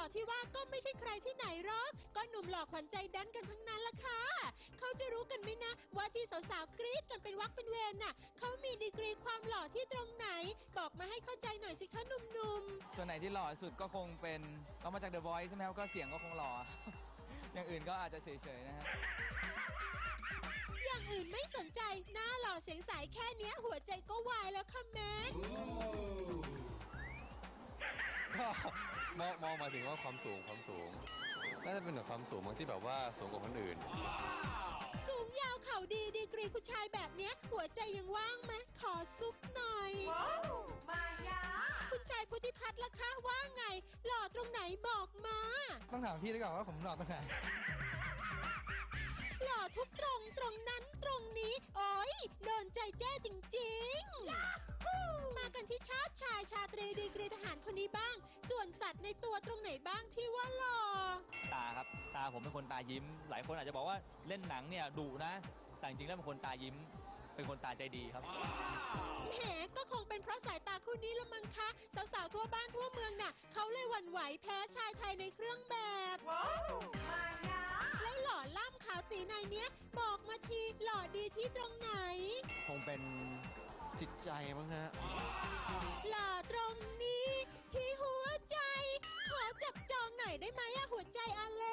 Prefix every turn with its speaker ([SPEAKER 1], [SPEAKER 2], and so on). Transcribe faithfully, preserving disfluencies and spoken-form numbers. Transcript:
[SPEAKER 1] ที่ว่าก็ไม่ใช่ใครที่ไหนหรอกก็หนุ่มหล่อขวัญใจแดนกันทั้งนั้นล่ะค่ะเขาจะรู้กันไหมนะว่าที่สาวๆกรี๊ดกันเป็นวักเป็นเวรน่ะเขามีดีกรีความหล่อที่ตรงไหนบอกมาให้เข้าใจหน่อยสิคะหนุ่มๆ
[SPEAKER 2] ส่วนไหนที่หล่อสุดก็คงเป็นเขามาจาก The Voice ใช่ไหมครับก็เสียงก็คงหล่อ อย่างอื่นก็อาจจะเฉยๆนะครับ
[SPEAKER 1] อย่างอื่นไม่สนใจหน้าหล่อเสียงใสแค่เนี้ยหัวใจก็วายแล้วค่ะแม่
[SPEAKER 3] ก็มองมองมาถึงว่าความสูงความสูงน่าจะเป็นแบบความสูงบางที่แบบว่าสูงกว่าคนอื่น
[SPEAKER 1] สูงยาวเข่าดีดีกรีผู้ชายแบบเนี้ยหัวใจยังว่างไหมขอซุปหน่อยมายาคุณชายพุทธิพัฒน์ล่ะคะว่าไงหล่อตรงไหนบอกมา
[SPEAKER 4] ต้องถามพี่ดีกว่าว่าผมหล่อตรงไหน
[SPEAKER 1] หล่อทุกตรงตรงนั้นตรงนี้โอ้ยโดนใจแจ้จริงๆมากันที่ชาติชายชาตรีดีกรีทหารคนนี้บ้างส่วนสัตว์ในตัวตรงไหนบ้างที่ว่าหล่อ
[SPEAKER 2] ตาครับตาผมเป็นคนตายิ้มหลายคนอาจจะบอกว่าเล่นหนังเนี่ยดุนะแต่จริงๆแล้วเป็นคนตายิ้มเป็นคนตาใจดีครับ
[SPEAKER 1] แหมก็คงเป็นเพราะสายตาคู่นี้ละมั้งคะสาวๆทั่วบ้านทั่วเมืองน่ะเขาเลยหวั่นไหวแพ้ชายไทยในเครื่องแบบแล้วหล่อล่ำขาวสีในเนี้ยบอกมาทีหล่อดีที่ตรงไหน
[SPEAKER 3] คงเป็นจิตใจมั้งฮะ
[SPEAKER 1] หล่อตรงนี้ที่หัวใจขอจับจองหน่อยได้ไหมอะหัวใจอเล็